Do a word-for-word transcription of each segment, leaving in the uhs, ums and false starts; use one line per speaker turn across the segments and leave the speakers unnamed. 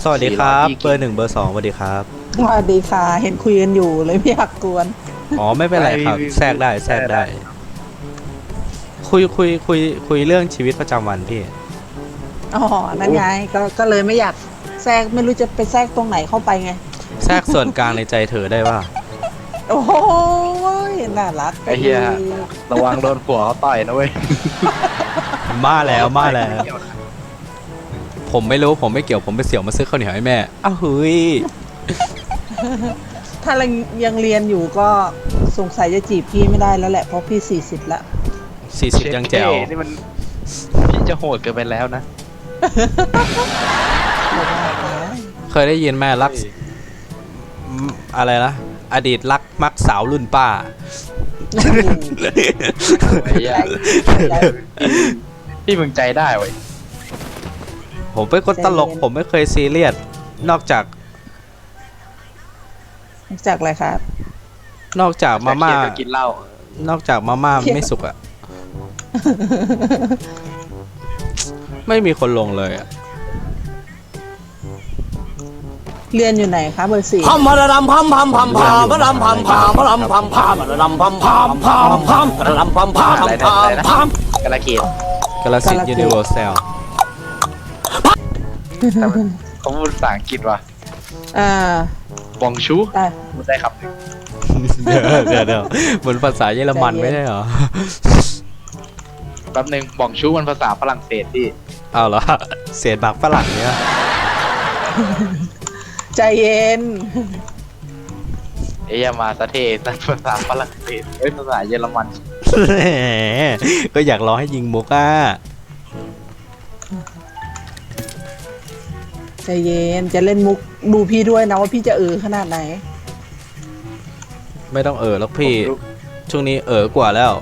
สวัสดีครับเบอร์หนึ่งเบอร์สองสวัสดีครับ
สวัสดีค่ะเห็นคุยกันอยู่เลยไม่อยากกวน
อ๋อไม่เป็นไรครับแทรกได้แทรกได้คุยคุยคุยคุยเรื่องชีวิตประจำวันพี่
อ๋อนั่นไงก็ก็เลยไม่อยากแทรกไม่รู้จะไปแทรกตรงไหนเข้าไปไง
แทรกส่วนกลางในใจเธอได้ป่ะ
โอ้โหน่ารัก
ไอ้เหี้ยระวังโดนผัวเขาต่อยนะเว้ย
มาแล้วมาแล้วผมไม่รู้ผมไม่เกี่ยวผมไปเสี่ยวมาซื้อข้าวเหนียวให้แม่อ้าวเฮ้ย
ถ้ายังเรียนอยู่ก็สงสัยจะจีบพี่ไม่ได้แล้วแหละเพราะพี่สี่สิบละ
สี่สิบยังแจ๋ว
นี่มันพี่จะโหดเกินไปแล้วนะ
เคยได้ยินแม่รักอะไรนะอดีตรักมักสาวรุ่นป้า
พี่มึงใจได้เว้ย
ผมเป็นคนตลกผมไม่เคยซีเรียสนอกจาก
จากอะไรครับ
นอกจากมาม่า
กินเหล้าน
อกจากมาม่าไม่สุกอะไม่มีคนลงเลยอะ
เรียนอยู่ไหนคะเบอร์สี่
พัมพะรำพัมพัมพัมพามพะรำพัมพามพะรำพัมพามพะรำพัมพามพามพามพะรำพัมพามพามพาม
กาลเกต
กาลสิทธิ์ยูนิเวอร์แซล
เขาพูดภาษาอังกฤษว่ะ
อ่า
บองชูพูดได้ครับ
เดี๋ยวเดี๋ยวเดี๋ยวเหมือนภาษาเยอรมันไม่ใช่เหรอ
แป๊บนึงบองชูมันภาษาฝรั่งเศสพี่
เอาเหรอเศษบากฝรั่งเนี่ย
ใจเย็น
เอ้ยมาสะเทศภาษาฝรั่งเศสเอ้ยภาษาเยอรมัน
ก็อยากรอให้ยิงมุกอ่ะ
ใจเย็นจะเล่นมุกดูพี่ด้วยนะว่าพี่จะเออขนาดไหน
ไม่ต้องเออแล้วพี่ช่วงนี้เออกว่าแล้ว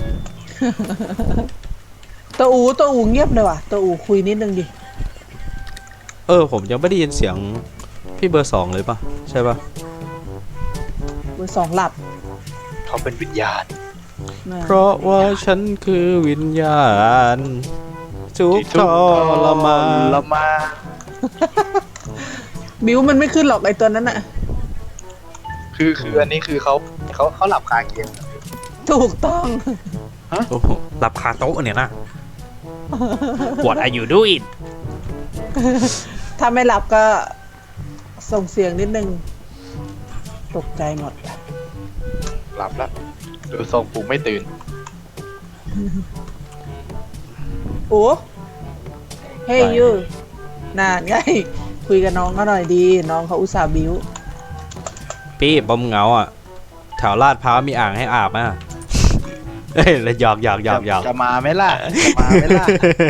ตัวอูตัวอูเงียบเลยว่ะตัวอูคุยนิดนึงดิ
เออผมยังไม่ได้ยินเสียงพี่เบอร์สองเลยป่ะใช่ป่ะ
เบอร์สองหลับ
เขาเป็นวิญญาณ
เพราะว่าฉันคือวิญญาณทุกทรมาน
ละมา
บิวมันไม่ขึ้นหรอกไอตัวนั้นอะ
คือคืออันนี้คือเขาเขาเขาหลับคาเกม
ถูกต้อง
ฮะหลับคาโต๊ะเนี่ยนะ What are you doing
ถ้าไม่หลับก็ส่งเสียงนิดนึงตกใจหมด
หลับแล้วดูทรงปุ๊บไม่ตื่น
โอ้เฮ้ยยูน่าไงคุยกับน้องเขาหน่อยดีน้องเขาอุตส่าห์บิ้ว
พี่บอมเงาอ่ะแถวลาดพร้าวมีอ่างให้อาบอ่ะเฮ้ยแล้วหยอกหยอกหยอกหยอก
จะมาไหมล่ะจะมาไหมล่ะ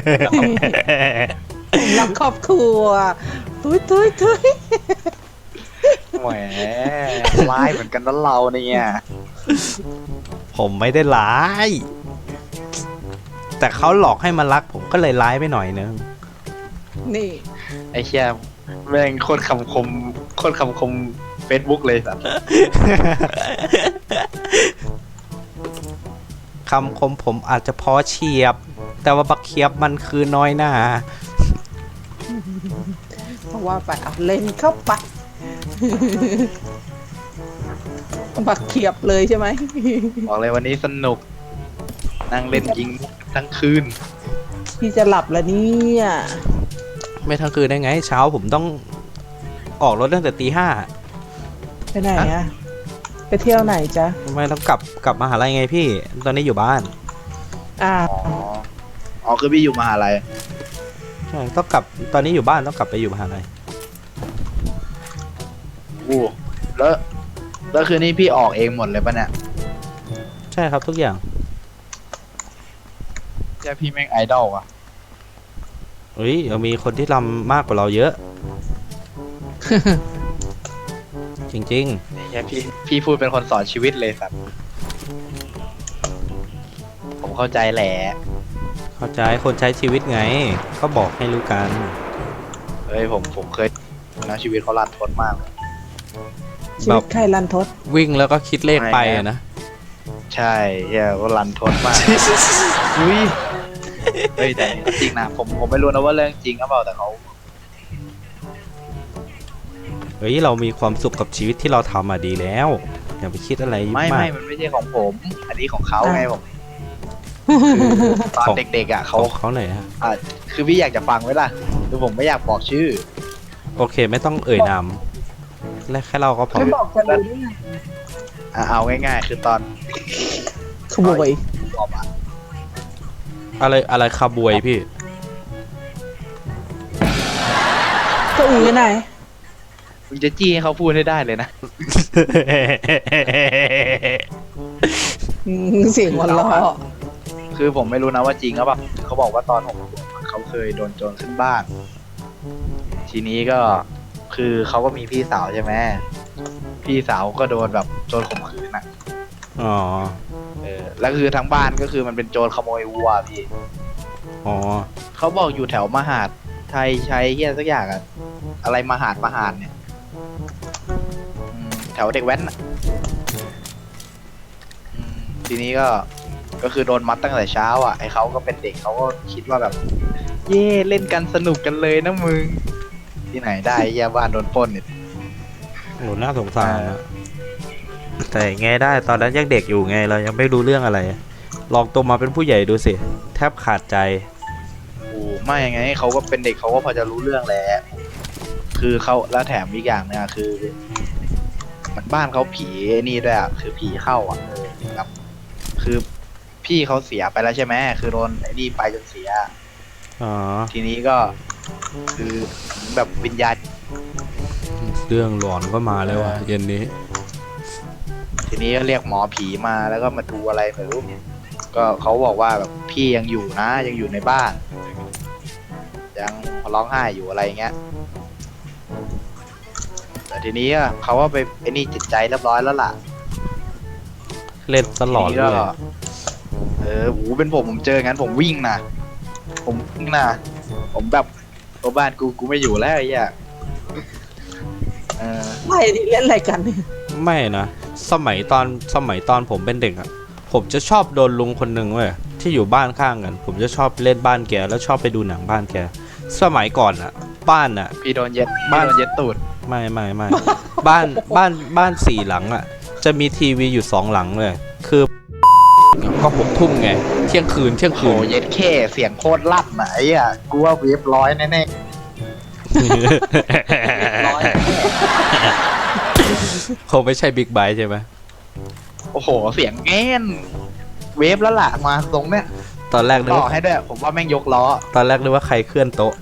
รักครอบครัวทุยทุยทุย
แหมร้ายเหมือนกันนะเราเนี่ย
ผมไม่ได้ร้ายแต่เขาหลอกให้มารักผมก็เลยร้ายไปหน่อยนึง
นี่
ไอ้เชี่ยแม่งโคตรคำคมโคตรคำคมเฟซบุ๊กเลยสัตว์
คำคมผมอาจจะพอเฉียบแต่ว่าบักเคียบมันคือน้อยหน้า
เพราะว่าไปเอาเล่นเข้าไปบักเขียบเลยใช่ไหม
บอกเลยวันนี้สนุกนั่งเล่นยิงทั้งคืน
พี่จะหลับแล้วเนี่ย
ไม่ทั้งคืนได้ไงเช้าผมต้องออกรถตั้งแต่ตีห้า
ไปไหนอะไปเที่ยวไหนจ๊ะ
ไม่ต้องกลับกลับมหาลัยไงพี่ตอนนี้อยู่บ้าน
อ่า
อ๋อคือพี่อยู่มหาลัย
ใช่ต้องกลับตอนนี้อยู่บ้านต้องกลับไปอยู่มหาลัย
โอ้แล้วแล้วคืนนี้พี่ออกเองหมดเลยปะเนี่ย
ใช่ครับทุกอย่าง
แค่พี่แม่งไอดอลอะ
เฮ้ยยังมีคนที่รำมากกว่าเราเยอะ จริง
ๆแค่พี่พี่พูดเป็นคนสอนชีวิตเลยสัตว์ผมเข้าใจแหละ
เข้าใจคนใช้ชีวิตไงก็บอกให้รู้กัน
เฮ้ยผมผมเคยนะชีวิตเขารันทดมาก
ชีวิตใครรันทด
วิ่งแล้วก็คิดเลขไปนะ
ใช่เฮียเขารันทดมากอุ้ยเฮ้ยแต่จริงนะผมผมไม่รู้นะว่าเรื่องจริงหรือเปล่าแต่เขา
เฮ้ยเรามีความสุขกับชีวิตที่เราทำมาดีแล้วอย่าไปคิดอะไร
ไม่
มา
ไม่
ก
มันไม่ใช่ของผม อันนี้ของเขาไงผมคือตอน
ของ
เด็กๆอ่ะ
ข
เขา
องเขาไหนอยฮะ
อ่ะคือพี่อยากจะฟังไว้ล่ะคือผมไม่อยากบอกชื่อ
โอเคไม่ต้องเอ่ยนามและแค่เราก็พอ
ไม่บอกจะรู้ได้ไง
อ่ะเอาง่ายๆ คือตอน
ขโมย
บอกอ่ะ
อะไรอะไรคาบวยพี่
ตัวอูอยู่ไหน
มึงจะจี้ให้เขาพูดให้ได้เลยนะ
อืมเสียงหัวเราะ
คือผมไม่รู้นะว่าจริงหรือเปล่าเขาบอกว่าตอนหกขวบเขาเคยโดนโจรขึ้นบ้าน ทีนี้ก็คือเขาก็มีพี่สาวใช่ไหมพี่สาวก็โดนแบบโจรข่มขืนอ่ะ
อ๋อ
เออแล้วคือทั้งบ้านก็คือมันเป็นโจรขโมยวัวพี่
อ๋อ
เขาบอกอยู่แถวมหาดไทยชัยเฮียสักอย่างอะอะไรมหาดมหาดเนี่ยอืมแถวเด็กแว้นอะอืมทีนี้ก็ก็คือโดนมัดตั้งแต่เช้าอ่ะไอเขาก็เป็นเด็กเขาก็คิดว่าแบบ เย่เล่นกันสนุกกันเลยนะมึง ที่ไหนได้ไอ้เหี้ยบ้านโดนปล้นเนี่ย
โหน่าสงสารนะแต่ไงได้ตอนนั้นยังเด็กอยู่ไงเรายังไม่รู้เรื่องอะไร ลองโตมาเป็นผู้ใหญ่ดูสิ แทบขาดใจ
โอ้ไม่ไงเขาก็เป็นเด็กเขาก็พอจะรู้เรื่องแหละคือเขาแล้วแถมอีกอย่างเนี่ยคือมันบ้านเขาผีนี่ด้วยอ่ะคือผีเข้าอ่ะเออครับคือพี่เขาเสียไปแล้วใช่ไหมคือโดนไอ้นี่ไปจนเสีย
อ๋อ
ทีนี้ก็คือแบบวิญญาณ
เรื่องหลอนก็มาแล้วว่ะเย็นนี้
ทีนี้ก็เรียกหมอผีมาแล้วก็มาดูอะไรไม่รู้ก็เขาบอกว่าแบบพี่ยังอยู่นะยังอยู่ในบ้าน ยังร้องไห้อยู่อะไรเงี้ยแต่ทีนี้อะเขาว่าไปไอ้นี่จิตใจเรียบร้อยแล้วล่ะ
เล่นตลอด
ที
เล
นี้
ย
ก็เออหูเป็นผมผมเจองั้นผมวิ่งนะผมวิ่งนะผมแบบตัวบ้านกูกูไม่อยู่แล้วไอ้เหี้ยเออ
ไม่ดิเล่นอะไรกันเนี่ย
ไม่นะ สมัยตอนสมัยตอนผมเป็นเด็กอะผมจะชอบโดนลุงคนหนึ่งเว้ยที่อยู่บ้านข้างกัน ผมจะชอบเล่นบ้านแกแล้วชอบไปดูหนังบ้านแก สมัยก่อนอะบ้านอะ
พี่โดนเย็ด
บ้า
พี่
น
โดนเย็ดตูด
ไม่ไม่ไม่ บ้านบ้านบ้านสี่หลังอะจะมีทีวีอยู่สองหลังเลยคือก็หกทุ่มไงเที่ยงคืนเที่ยง
โห
คืน
เย็ดแค่เสียงโคตรลั่นอ่ะไอ้เหี้ยกูว่าเวฟร้อยแน่ๆร้อย
คงไม่ใช่บิ๊กไบค์ใช่ไหม
โอ้โหเสียงแง่นเวฟแล้วล่ะมาตรงเนี้ย
ตอนแรกนึก
ต่อ
ว่า
ให้ด้วยผมว่าแม่งยกล้อ
ตอนแรกนึกว่าใครเคลื่อนโต๊ะ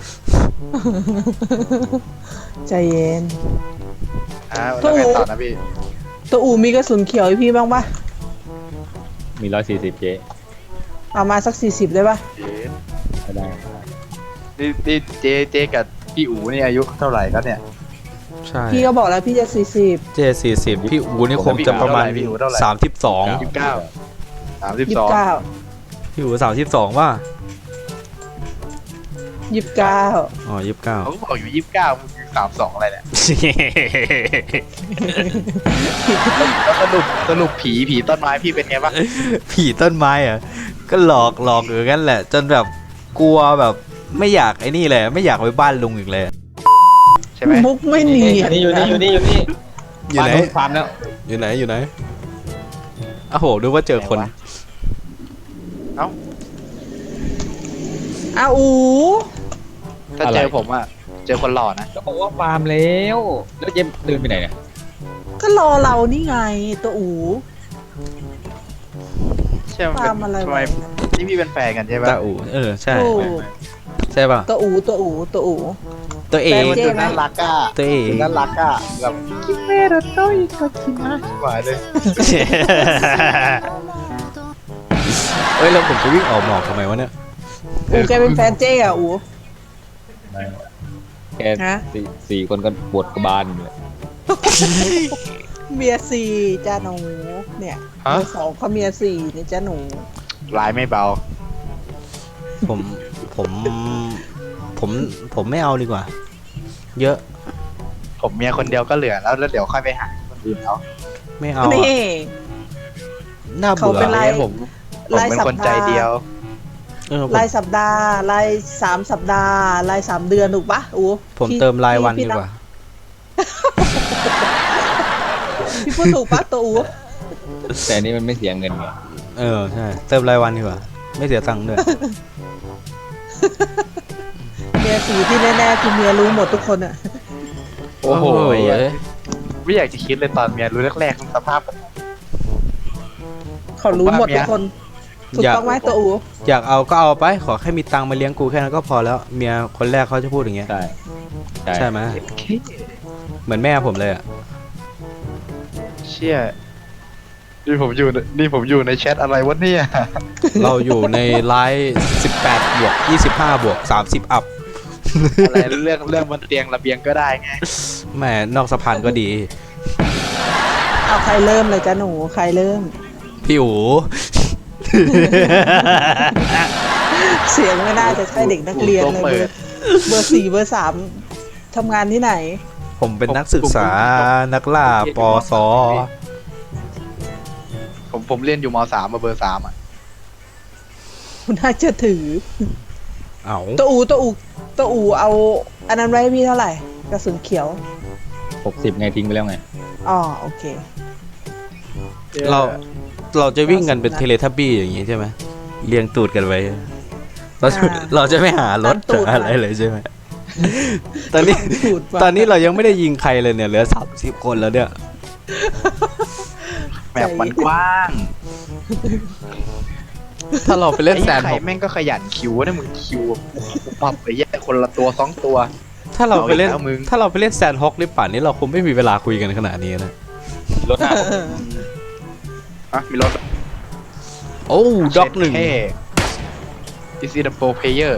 ใจเย็น
อ่าแล้วไงต่อนะพี่
ตัวอูมีกระสุนเขียวให้พี่บ้างปะ
มีร้อยสี่สิบเจ
เอามาสักสี่สิบได้ปะ
ก็ได้
นี่นี่เจเจกับพี่อูนี่อายุเท่าไหร่ครับเนี่ย
ใช่
พี่ก็บอกแล้วพี่จะสี่สิบ
เจสี่สิบพี่อูนี่คงจะประมาณ
พี่อูเท่าไหร่
สามสิบสอง
ยี่สิบเก้าสามสิบ
ยี่
ส
สิ
อง
บเก้า
พี่อูสามสิบสองว่า
ยี่สิบเก้า
อ๋อยี่สิบเก้า
เขาก็บอกอยู่ยี่สิบเก้ามึงสามสองอะไรเนี่ยแล้วสรุปสรุปผีผีต้นไม้พี่เป็นไงบ้าง
ผีต้นไม้อ่ะก็หลอกหลอกอยู่งั้นแหละ จนแบบกลัวแบบไม่อยากไอ้นี่เลยไม่อยากไปบ้านลุงอีกเลย
ใช่ไหม
มุกไม่เนียน
นี่อยู่นี่อยู่นี่อยู่นี่
อยู่ไหน
ฟาร์มแล้ว
อยู่ไหนอยู่ไหนอ้าวโหดูว่าเจอคน
เอ้า
อ้าวอู
ถ้าเจอผมอะเจอคนหล่อนะ
ก็บอกว่าฟาร์มแล้วแล้วเจมเดินไปไหนเนี่ย
ก็รอเรานี่ไงตัวอู
ใช่ไหม
ตามอะไร
ทำไม
วะ
นี่พี่เป็นแฟนกันใช่ปะ
ตาอูเออใช่
โอ้
ใช่ป่ะ
ตัวอูตัวอูตัวอู
ตัวเอ
แฟ
ง
นเจ๊
ดูน่ารักอะ
ตัวเอง
ดูน่ารักอะแบบคิเมโรโต้อีกก็คิมาชิบหายเลย
เอ้ยแล้วผมจะวิ่งออกหมอกทำไมวะเนี่ย
อูแกเป็นแฟนเจ๊อะอู
แค่
ฮะ
สี่สี่คนก็ปวดกระบาลอยู่เลย
เมียสี่จ้าหนูเนี่ยเมียสองเขาเมียสี่เนี่ยจ้าหนู
ลายไม่เบา
ผมผมผมผมไม่เอาดีกว่า เยอะ
ผมเมียคนเดียวก็เหลือแล้วแล้วเดี๋ยวค่อยไปหาคนอื่นเอา
ไม่เอาอะ
นี่
น่า
เขา
เบื่อ
เป็นไร
ผมผมเป็นคนใจเดียว
เออผม
รายสัปดาห์รายสามสัปดาห์รายสามเดือนถูกปะอู
ผม
พี่
เติมรายวัน
พี่
ดีกว่า
นับพูดถูกปะตัวอู
แต่อันนี้มันไม่เสียเงินไง
เออใช่เติมรายวันดีกว่าไม่เสียตังค์ด้วย
เมียสีที่แน่ๆคือเมียรู้หมดทุกคนอะ
โอ้โห
เอ้ย
ไม่อยากจะคิดเลยตอนเมียรู้แรกๆมันสภาพแบบ
เขารู้หมดทุกคนถูก
อยาก
ต้องไหมตัวอู
อยากเอาก็เอาไปขอแค่มีตังค์มาเลี้ยงกูแค่นั้นก็พอแล้วเมียคนแรกเขาจะพูดอย่างเงี้ย
ใช่
ใช่ไหมเหมือนแม่ผมเลยอ่ะ
เชี่ยนี่ผมอยู่ในนี่ผมอยู่ในแชทอะไรวะเนี่ย
เราอยู่ในไลฟ์สิบแปดบวกยี่สิบห้าบวกสามสิบอัพ
อะไรเรื่องเรื่องบนเตียงระเบียงก็ได้ไง
แหม่นอกสะพานก็ดี
เอาใครเริ่มเลยจ้ะหนูใครเริ่ม
พี่อู
เสียงไม่น่าจะใช่เด็กนักเรียนเลยเบอร์เบอร์สี่เบอร์สามทำงานที่ไหน
ผมเป็นนักศึกษานักล่าปอสอ
ผมผมเรียนอยู่มสามมาเบอร์สามอ่ะ
คุณน่าจะถือ
เอา
ตัวอูตัวอูตัวอูเอาอันนั้นไว้ให้พี่เท่าไหร่กระสุนเขียว
หกสิบไงทิ้งไปแล้วไง
อ๋อโอเค
เราเราจะวิ่งกันเป็นเทเลทับบี้อย่างงี้ใช่ไหมเรียงตูดกันไว้เราจะ
อ่า
เราจะไม่หารถ
ตามตูด
อะไรเลยใช่ไหมตอนนี้
ตูดว่ะ
ตอนนี้เรายังไม่ได้ยิงใครเลยเนี่ยเหลือสามสิบคนแล้วเนี่ย
แบบมันกว้าง
ถ้าเราไปเล่นแซน
ไอ้
ด์
ไข่
บ็อกซ์
แม่งก็ขยันคิวนะมึงคิวปรับไปแยกคนละตัวสองตัว
ถ้าเราไปเล่น
เอาอีกแล้วมึง
ถ้าเราไปเล่นแซนด์ฮอกนี่ป่านนี้เราคงไม่มีเวลาคุยกันขนาดนี้นะ
รถหน้า
อ่ะมีรถ
โอ้ด็อกหนึ่ง
เท่ Is it a pro player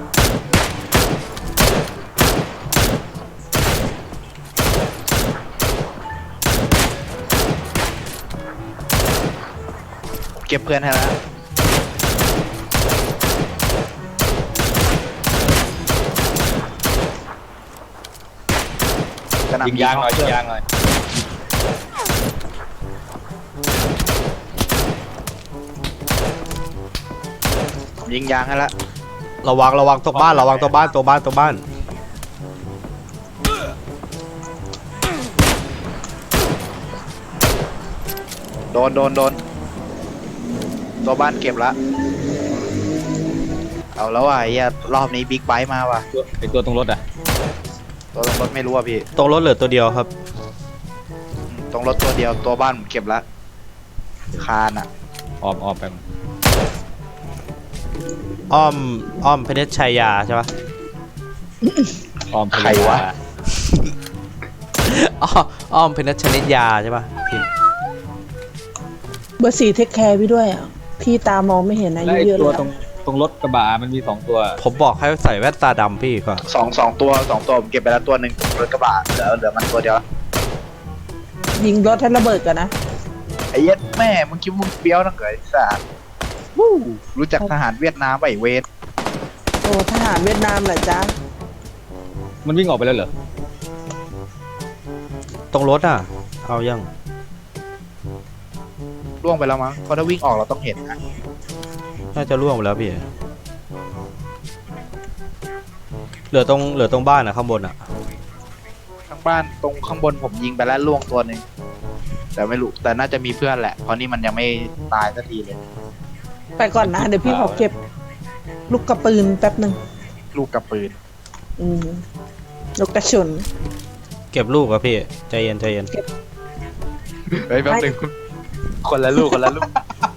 เก็บเพื่อนให้แล้วกระหน่ำ
ยิงยางหน่อยยิงยางหน่อย
ยิงยางให้แล้ว
ระวังระวังตัวบ้านระวังตัวบ้านตัวบ้านตัวบ้าน
โดนโดนโดนตัวบ้านเก็บละเอาแล้วว่ะไอ้เหี้ยรอบนี้บิ๊กไบค์มาว่ะ
ตัวไอตัวตรงรถอ่ะ
ตัวรถไม่รู้อ่ะพี่
ตรงรถเหลือตัวเดียวครับ
ตรงรถตัวเดียวตัวบ้านผมเก็บละคานอ่ะ
ออมออมไป
อ้อมอ้อมเพชรชัยยาใช่ปะ
ออมไป
ใครวะ
อ้ออ้อมเพชรชนิดยาใช่ปะพิมพ์
เบอร์สี่เทคแคร์พี่ด้วยอ่ะพี่ตามองไม่เห็นอา
แล้ว
ยุ
ไอ
เยอะ
ตัว
แล้ว
ตรงตรงรถกระบะมันมีสองตัว
ผมบอกให้ใส่แว่นตาดำพี่ก็
สองสองตัวสองตัวผมเก็บไปแล้วตัวหนึ่งรถกระบะเหลือเหลือมันตัวเดียว
ยิงรถให้ระเบิดกันนะ
ไอ้เหี้ย็ดแม่มึงคิดว่ามึงเปรี้ยวนักเหรอไอ้สัสวู้รู้จักทหารเวียดนามป่ะไอ้เวท
โอ้ทหารเวียดนามเหรอจ๊ะ
มันวิ่งออกไปแล้วเหรอ
ตรงรถอ่ะ เอายัง
ล่วงไปแล้วมั้งเพราะถ้าวิ่งออกเราต้องเห็นนะ
น่าจะล่วงไปแล้วพี่เหลือตรงเหลือตรงบ้านอ่ะข้างบนอ่ะ
ข้างบ้านตรงข้างบนผมยิงไปแล้วล่วงตัวหนึ่งแต่ไม่รู้แต่น่าจะมีเพื่อนแหละเพราะนี่มันยังไม่ตายสักทีเลย
ไปก่อนนะเดี๋ยวพี่ขอเก็บ ลูกกระปืนแป๊บหนึ่ง
ลูกกับปืน
อืมลูกกระสุน
เก็บลูกอะพี่ใจเย็นใจเย็น
เฮ้ยแป๊บนึงคนละลูกคนละลูก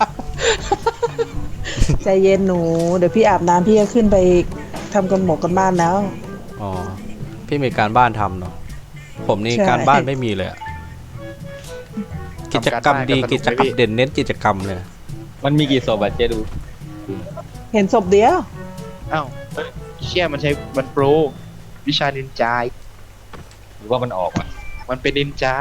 ใจเย็นหนู เดี๋ยวพี่อาบน้ำพี่จะขึ้นไปทำกันหมกกันบ้านแล้ว
อ๋อพี่มีการบ้านทำเนาะผมนี่
ใช่
การบ้านไม่มีเลยอะกิจกรรมดีกิจกรรมเด่นเน้นกิจกรรมเลย
มันมีกี่ศพอะเจ๊ดู
เห็นศพเดียว
อ้าวเฮ้ยเชี่ยมันใช้มันโปรวิชานินจา
หรือว่ามันออกอ่ะ
มันเป็นนินจา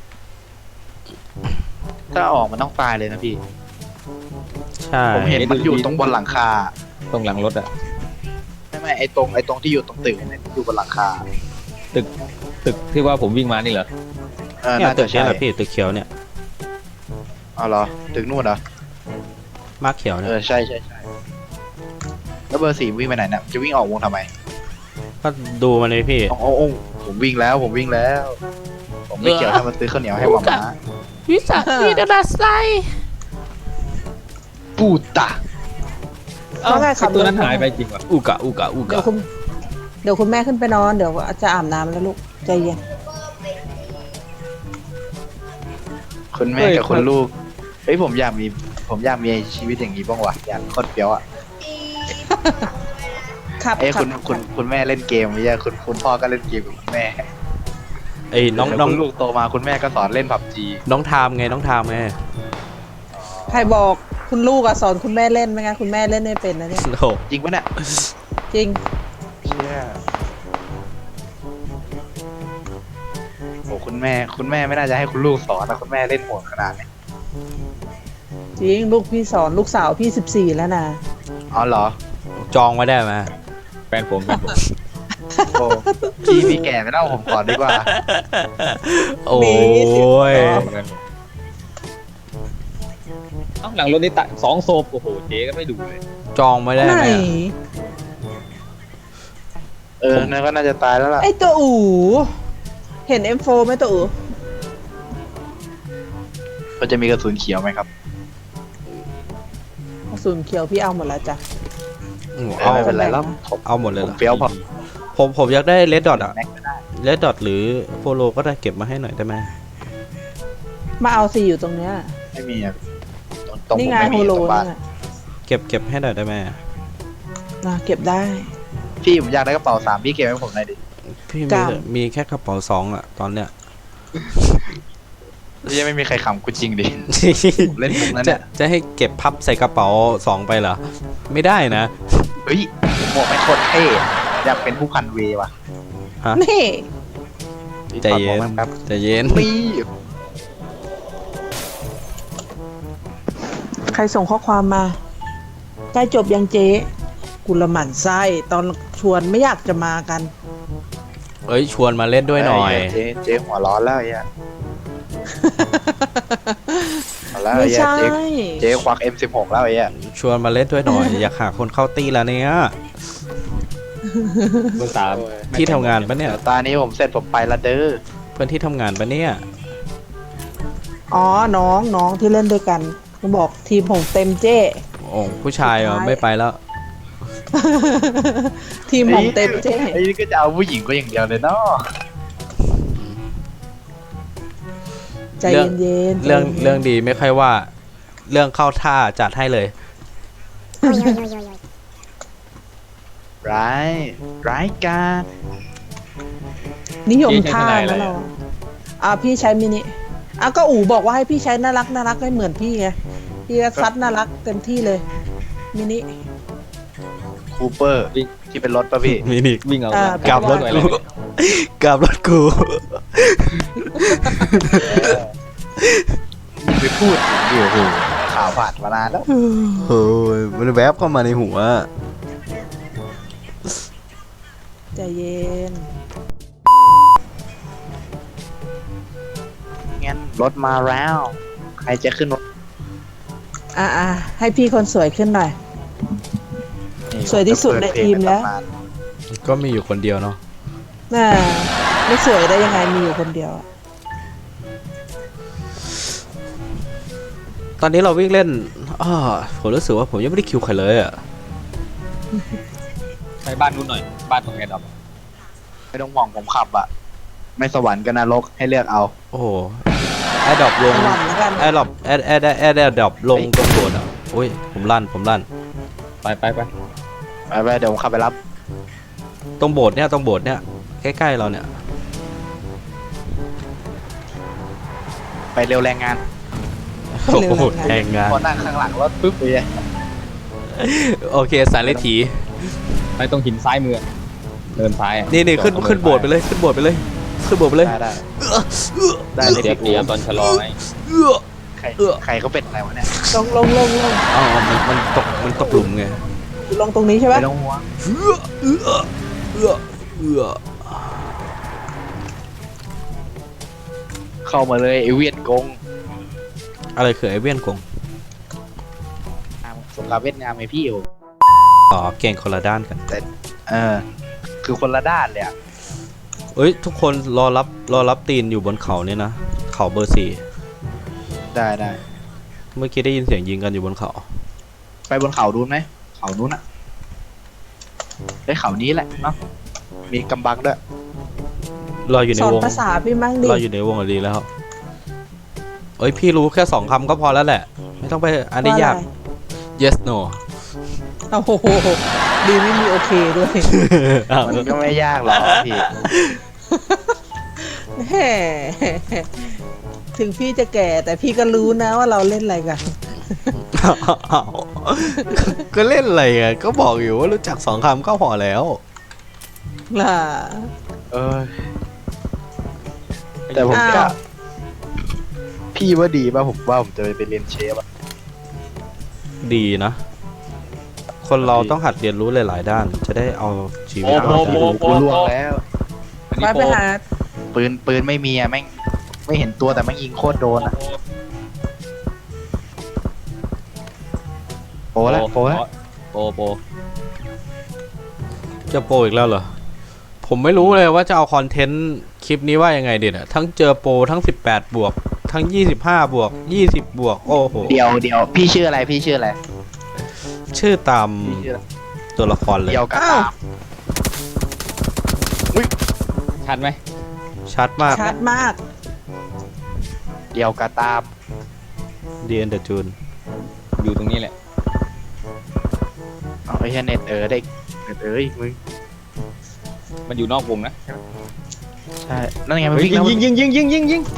ถ้าออกมันต้องตายเลยนะพี่
ใช่
ผมเห็นมันอยู่ตรงบนหลังคา
ตรงหลังรถอ่ะ
ไม่ไม่ไอตรงไอตรงที่อยู่ตรงตึกเนี่ยอยู่บนหลังคา
ตึกตึกที่ว่าผมวิ่งมานี่เหรอ
เออ
เนี่ย
น่า
ตึ
จะ
ก
ใช่
เนี้แหละพี่ตึกเขียวเนี่ย
เอาเหรอตึกนู่นเหรอ
มาร์คเขียว
เอ
เนี่ย
อใช่ใช่ใช่แล้วเบอร์สี่วิ่งไปไหนเนี่ยจะวิ่งออกวงทำไม
ก็ดูมันเลยพี่
โอ้โอ้โอ้ผมวิ่งแล้วผมวิ่งแล้ว ผผมไม่เกี่ยวถ้ามันซื้อข้าวเหนียวให้หมาม้า
วิสาพีดาราไซ
ปูตะ
เอ้า
ว่าไงขับ
ไอ้ตัวนั้น
รถ
หายไปจริงวะ
อุกะอุกะอุ
เดี๋ย
กะ
วคุณเดี๋ยวคุณแม่ขึ้นไปนอน เดี๋ยวจะอาบน้ำแล้วลูก ใจเย็น
คุณแม่กับคุณลูกเฮ้ยผมอยากมีผมอยากมีชีวิตอย่างนี้บ้างวะอยากโคตรเปรี้ยวอ่ะ
ครับ
เอ้ย
รั
คุ
บ
ณคุณคุณแม่เล่นเกมไม่ใช่คุณคุณพ่อก็เล่นเกมกับคุณแม่
ไอ้น้อง
แล้ว
น้อง
คุณลูกโตมาคุณแม่ก็สอนเล่นผับจี
น้องทามไงน้องทามไง
ใครบอกคุณลูกอะสอนคุณแม่เล่นไหมงั้นคุณแม่เล่นไม่เป็นนะเนี่ย
โอ้โห
จริงปะเนี่ย
จริง
เชี่ยโอ้คุณแม่คุณแม่ไม่น่าจะให้คุณลูกสอนนะคุณแม่เล่นโหดขนาดนี้
จริง ลูกพี่สอนลูกสาวพี่สิบสี่แล้วนะ
อ๋อเหรอ
จองไว้ได้ไหม
แฟนผมแฟนผม
โอ้พี่พี่แก่ไม่เล่าผมก่อนดีกว่า
โอ้ย
เอ้าหลังรถนี่ตะสองโซบโอ้โหเจ๊ก็ไม่ดูเลย
จองไว้ได้
ไหน
ไหมอะ
เออนั่นก็น่าจะตายแล้วล่ะ
ไอตัวอู๋เห็น เอ็ม โฟร์ ไหมตัวอู๋
มันจะมีกระสุนเขียวไหมครับ
กระสุนเขียวพี่เอาหมดแล้วจ้ะ
เอา
ไม่เป็นไรแล้วผม
เอาหมดเลย
ผ
เหร
ม
อ
เฟี้ยวพอ
ผมผมอยากได้เลดดอทอะ
แม็กก็ได้
เลดดอทหรือโฟโลก็ได้เก็บมาให้หน่อยได้ไหม
มาเอาสิอยู่ตรงเนี้ย
ไม่มีอะตรง
นี่
ผม
ไง
ไม่
โฮ
มี
โล
ตรงบ้าน
นี่ไง
เก็บเก็บให้หน่อยได้ไหม
นะเก็บได้
พี่ผมอยากได้กระเป๋าสามพี่เก็บให้ผมหน่อยดิ
พี่
ก
มี
ล้าม
มีแค่กระเป๋าสองอะตอนเนี้ย
พี่ยังไม่มีใครขำกูจริงดิ ผมเล่นมุกนั้น
จะ
เนี่ย
จะให้เก็บพับใส่กระเป๋าสองไปเหรอ ไม่ได้นะ
เฮ้ยหมวกไม่โคตรเท่อยากเป็นผู้พันเวว่ะ
นี่
ใจเย็น
ถอดหมวกแป๊บ
ใจเย็น
นี่
ใครส่งข้อความมาใกล้จบยังเจ๊กุละหมั่นไส้ตอนชวนไม่อยากจะมากัน
เอ้ยชวนมาเล่นด้วยหน่อย
เจ๊เจ๊หัวร้อนแล้วไอ้เหี้ยเอาแล้ว
ไม่
ไอ้เหี้ย
ใช่
เจ๊เจ๊ควัก เอ็ม สิบหก แล้วไอ้เหี้ย
ชวนมาเล่นด้วยหน่อย อยากหาคนเข้าตีแล้วเนี่ย
เบอร์สาม
ที่ทำงานปะเนี่ย
ตอนนี้ผมเสร็จผมไปละเด้อ
เพื่อนที่ทำงานปะเนี่ย
อ๋อน้องน้องที่เล่นด้วยกันเขาบอกทีมผมเต็มเจ้
โอ้ผู้ชายเหรอ
สุดท้าย
ไม่ไปแล้ว
ทีมผมเต็มเจ้
ไอ้นี่ก็จะเอาผู้หญิงก็อย่างเดียวเลยเนาะ
ใจเย็นๆ
เรื่อง
ใจย็นๆ
เรื่องดีไม่ค่อยว่า เรื่องเข้าท่าจัดให้เลย
ร้ายร้ายกาจ
นิยมท่าแล้วเราอ่ะพี่ใช้มินิอ่ะก็อู๋บอกว่าให้พี่ใช้น่ารักน่ารักให้เหมือนพี่ไงพี่ก็ซัดน่ารักเต็มที่เลย มินิ
คูเปอร์ที่เป็นรถป่ะพี่
มินิ
วิ่งเอา
อ่า
กลับรถ
สวย
กู
เลย
กลับรถกู
ไปพูดถึงดิโอ้โหข่าวผ่านมานานแล้ว
โอ้ยมันแวบเข้ามาในหัว
ใจเย็น
งั้นรถมาแล้ว ใครจะขึ้นรถ
อ่ะอ่ะให้พี่คนสวยขึ้นหน่อย สวยที่สุดในทีมแล้ว
ก็มีอยู่คนเดียวเนาะ
น่าไม่สวยได้ยังไงมีอยู่คนเดียวอะ
ตอนนี้เราวิ่งเล่นอ้อผมรู้สึกว่าผมยังไม่ได้คิวใครเลยอ่ะ
ไปบ้านนู้นหน่อย บ้านตรงแอร์ดรอป
ไม่ต้องห่วงผมขับอะไม่สวรรค์กับนรกให้เลือกเอา
โอ้โหแอร์ดรอปลง
หวั่นแล้วกัน
แอร์ดรอปแอร์แอร์แอร์แอร์ดรอปลงตรงโบสถ์อ่ะโอ้ยผมลั่นผมลั่น
ไปไปไป
ไปไปเดี๋ยวผมขับไปรับ
ตรงโบสถ์เนี่ยตรงโบสถ์เนี่ยใกล้ๆเราเนี่ย
ไปเร็วแรงงาน
โอ้โหแทงงาน
พอนั่งข้างหลังรถปุ๊บเลย
โอเคสายเลถี
ไปตรงหินซ้ายมือเดินซ้ายอะ
นี่นี่ขึ้นขึ้นโบสถ์ไปเลยขึ้นโบสถ์ไปเลยขึ้นโบสถ์ไปเลย
ได้ได้ได้เลย
เสียเปรียบตอนชะลอไง
ใครใครเขาเป็นอะไรวะเนี่ย
ลงลงลงลง
อ๋อมันมันตกมันตกหลุมไง
ลงตรงนี้ใช่ไหม
ไม่ต้องห่วง
เอื้อเอื้อเอื้อเอื้อ
เข้ามาเลยไอเวียนกง
อะไรคือไอเวียนกง
สงครามเวียดนามไอพี่อยู่
อ๋อเก่งคนละด้านกัน
เออ คือคนละด้านเลยอะ
เอ้ยทุกคนรอรับรอรับตีนอยู่บนเขาเนี่ยนะเขาเบอร์สี่
ได้ได้
เมื่อกี้ได้ยินเสียงยิงกันอยู่บนเขา
ไปบนเขาดูไหมเขานู้นอะไอ้เขานี้แหละเนาะมีกำบังด้วย
รออยู่ใน
สอน
วง
ภาษาพี่มั่งดิ
รออยู่ในวงอะดีแล้วเอ้ยพี่รู้แค่สองคำก็พอแล้วแหละ ไม่ต้องไปอันนี้ยาก yes no
โอ้โหดีไม่มีโอเคด้วย
มันก็ไม่ยากหรอกพี่
แหมถึงพี่จะแก่แต่พี่ก็รู้นะว่าเราเล่นอะไรกัน
อ้าวก็เล่นอะไรอ่ะก็บอกอยู่ว่ารู้จักสองคำก็พอแล้ว
ล่ะ
เออแต่ผม
อ้าว
จะพี่ว่าดีป่ะผมว่าผมจะไปเรียนเชฟอะ
ดีนะ คนเราต้องหัดเรียนรู้หลาย ๆ ด้าน จะได้เอาชีวิต
โอ้
รอด
โห
ได้
กูล่วงแล้ว
อัน
ไป
นี้
ไป
โปร
หา
ปืนปืนไม่มีอะแม่งไม่เห็นตัวแต่แม่งยิงโคตรโดนอะโปแล้วโปแล้ว
โปรโปร
จะโปรอีกแล้วเหรอ ผมไม่รู้เลยว่าจะเอาคอนเทนต์คลิปนี้ว่ายังไงเด็ดอะทั้งเจอโปรทั้งสิบแปดบวก ทั้งยี่สิบห้าบวกยี่สิบบวก โอ้โห
เดียวเดียวพี่ชื่ออะไรพี่ชื่ออะไร
ชื่อตาม
พี่ชื่ออะไร
ตัวละครเลย
เดียวกับ
อ้าว
ตาม
ชัดไหม
ชัดมาก
ชัดมาก
เดียวกับตาม
เดียนเดอะจูน
อยู่ตรงนี้แหละ
เอาไอ้เหี้ยเน็ตเออได้เน็ตเอ้ยมึง
มันอยู่นอกวงนะ
ใช่นั่นไงมัน
เฮ้ย
วิ่ง
ยิ
แล้ว
งยิงยิงยิงยิงยิงยิง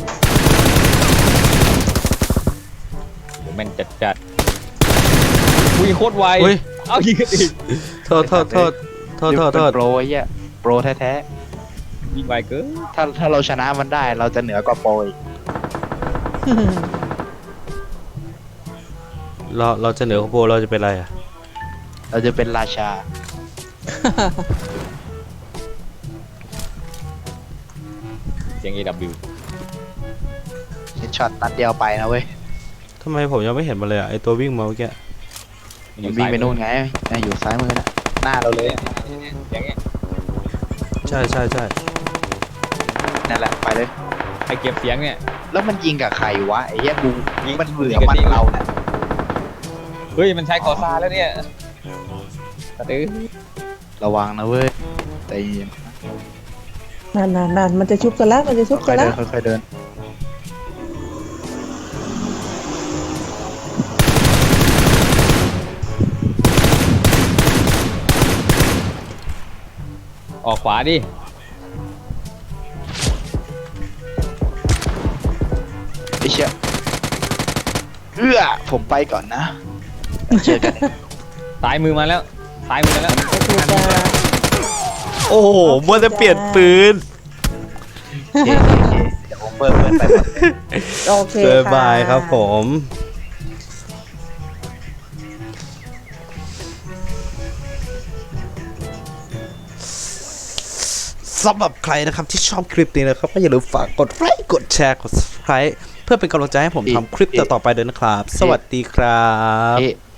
โหแม่นจัดจัดอุ้ยโคตรไว
อุ้ย
เอายิงกันอีก
โทษโทษโทษโทษโทษโทษ
เป็นโปรไอ้เหี้ยโปรแท้
ยิงไวเกิน
ๆถ้าถ้าเราชนะมันได้เราจะเหนือกว่าโปรอีก
เราเราจะเหนือกว่าโปรเราจะเป็นอะไรอ่ะ
เราจะเป็นราชา
เสียง เอ ดับเบิลยู
เฮดช็อตนัดเดียวไปนะเว้ย
ทำไมผมยังไม่เห็นมันเลยอ่ะไอตัววิ่งมาเมื่อกี้
มันอ
มัน
ยู่
วิ่ง
ซ้าย
ไปนู่นไงน่าอยู่ซ้ายมือนะหน้าเราเลย
เสียงเงี้ย
ใช่ใช่ใช่
นั่นแหละไปเลย
ไอเก็บเสียงเนี่ย
แล้วมันยิงกับใครวะไอ้เหี้ยกู
ยิง
มันเหลือ
ยิงกับ
มัน
ที่
เราเนี่ย
เฮ้ยมันใช้คอซ่าแล้วเนี่ยกระตือ
ระวังนะเว้ยใจเย็น
นั่นนั่นนั่นมันจะชุบกันแล้ว มันจะชุบ
ค่
กั
อน ยๆ
แล้
เดิ
วน
ค่อยๆเดิน
ออกขวาดิ
ไอ้เชี่ยเอื้อผมไปก่อนนะเจอกัน
ซ้ายมือมาแล้วซ้ายมือมาแล้ว
โอเคจ้า
โอ้โหมัวแต่เปลี่ยนปืน
โอเคโอเคเดี๋ยวผมเปิดเพื่อนไปก่อน
โอเค
บ๊าย
ค่ะ
บายครับผม สำหรับใครนะครับที่ชอบคลิปนี้นะครับก็อย่าลืมฝากกดไลค์กดแชร์กด subscribe เพื่อเป็นกำลังใจให้ผมทำคลิปต่อๆไปด้วยนะครับ สวัสดีครับ
เอ๊ะ